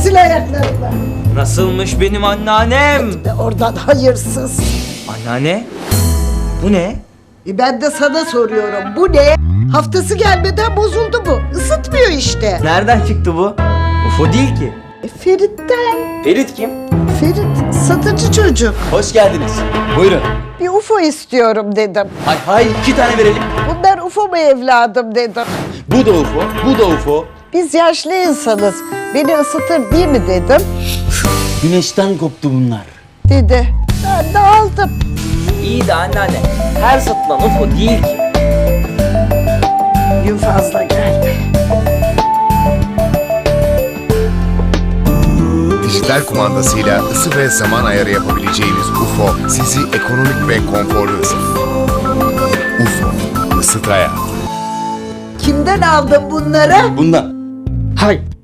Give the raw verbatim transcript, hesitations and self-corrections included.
sil ayaklarını. Nasılmış benim anneannem? Ve oradan hayırsız. Anneanne? Bu ne? E ben de sana soruyorum. Bu ne? Haftası gelmeden bozuldu bu. Isıtmıyor işte. Nereden çıktı bu? U F O değil ki. E Ferit'ten. Ferit kim? Ferit satıcı çocuk. Hoş geldiniz. Buyurun. Bir U F O istiyorum dedim. Hay hay iki tane verelim. Bunlar U F O mu evladım dedim. Bu da U F O, bu da U F O. Biz yaşlı insanız. Beni ısıtır değil mi dedim. Güneşten koptu bunlar. Dedi. Ben de aldım. İyi de anneanne. Her satılan U F O değil ki. Gün fazla geldi. Dijital kumandasıyla ısı ve zaman ayarı yapabileceğiniz U F O sizi ekonomik ve konforlu ısıtır. U F O, ısıt hayatı. Kimden aldın bunları? Bundan. Hay